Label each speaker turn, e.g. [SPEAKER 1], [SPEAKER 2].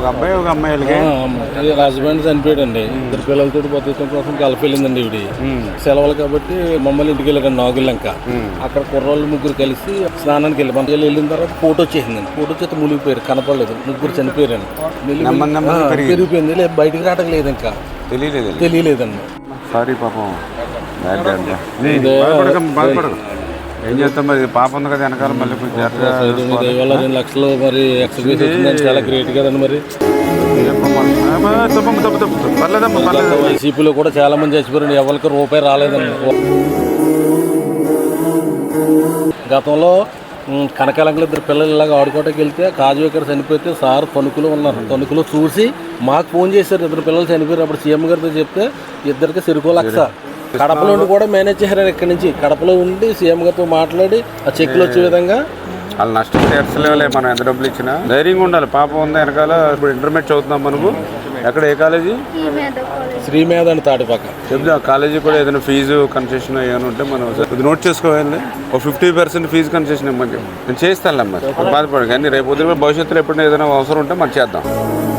[SPEAKER 1] ఒక అబ్బాయి ఒక అమ్మాయిలకి
[SPEAKER 2] హస్బెండ్ చనిపోయాడండి. ఇద్దరు పిల్లలతో బతుకం కోసం గల్ఫ్ వెళ్ళిందండి ఇవిడి. సెలవులు కాబట్టి మమ్మల్ని ఇంటికి వెళ్ళారండి నాగులంక. అక్కడ కుర్రోళ్ళు ముగ్గురు కలిసి స్నానానికి వెళ్ళి మన వెళ్ళిన తర్వాత ఫోటో వచ్చేసిందండి. ఫోటో వచ్చేస్తే మునిగిపోయారు, కనపడలేదు. ముగ్గురు చనిపోయారండి. పెరిగిపోయింది, లేదు బయటికి రావడం లేదు, ఇంకా తెలియలేదండి.
[SPEAKER 1] సారీ పాపం. బాధపడదు, ఏం చేస్తాం మరి, పాప ఉంది కదా వెనకాల. మళ్ళీ
[SPEAKER 2] కొంచెం 2 లక్షలు మరి ఎక్స్‌పీరియన్స్ వచ్చిందని చాలా గ్రేట్ కదండి. మరి వైసీపీలో కూడా చాలా మంది చచ్చిపోయారండి, ఎవరికి రూపాయి రాలేదండి. గతంలో కనకాలంకలు ఇద్దరు పిల్లలు ఇలాగ ఆడుకోవటానికి వెళ్తే కాజు ఇక్కడ చనిపోతే సార్ తణుకులో ఉన్నారు. తణుకులో చూసి మాకు ఫోన్ చేశారు, ఇద్దరు పిల్లలు చనిపోయారు. అప్పుడు సీఎం గారితో చెప్తే ఇద్దరికి సిరుకో లక్ష. కడపలో ఉండి కూడా మేనేజ్ చేశారు. ఇక్కడ నుంచి కడపలో ఉండి సీఎం గారితో మాట్లాడి ఆ చెక్కులు వచ్చే విధంగా.
[SPEAKER 1] వాళ్ళు నష్టం తీర్చలేవులే, మనం ఎంత డబ్బులు ఇచ్చినా ధైర్యంగా ఉండాలి. పాపం ఉంది వెనకాల. ఇప్పుడు ఇంటర్మీడియట్ చదువుతున్నాం మనము. ఎక్కడ, ఏ కాలేజీ?
[SPEAKER 2] శ్రీమేధ అని తాటిపాక.
[SPEAKER 1] చెప్తా కాలేజీ కూడా ఏదైనా ఫీజు కన్సెషన్ ఏమైనా ఉంటే మనం ఇది నోట్ చేసుకోవాలి. ఒక 50% ఫీజు కన్సెషన్ ఇవ్వమని నేను చేస్తానులే. మరి బాధపడదు కానీ రేపు పొద్దున భవిష్యత్తులో ఎప్పుడైనా ఏదైనా అవసరం ఉంటే మనం చేద్దాం.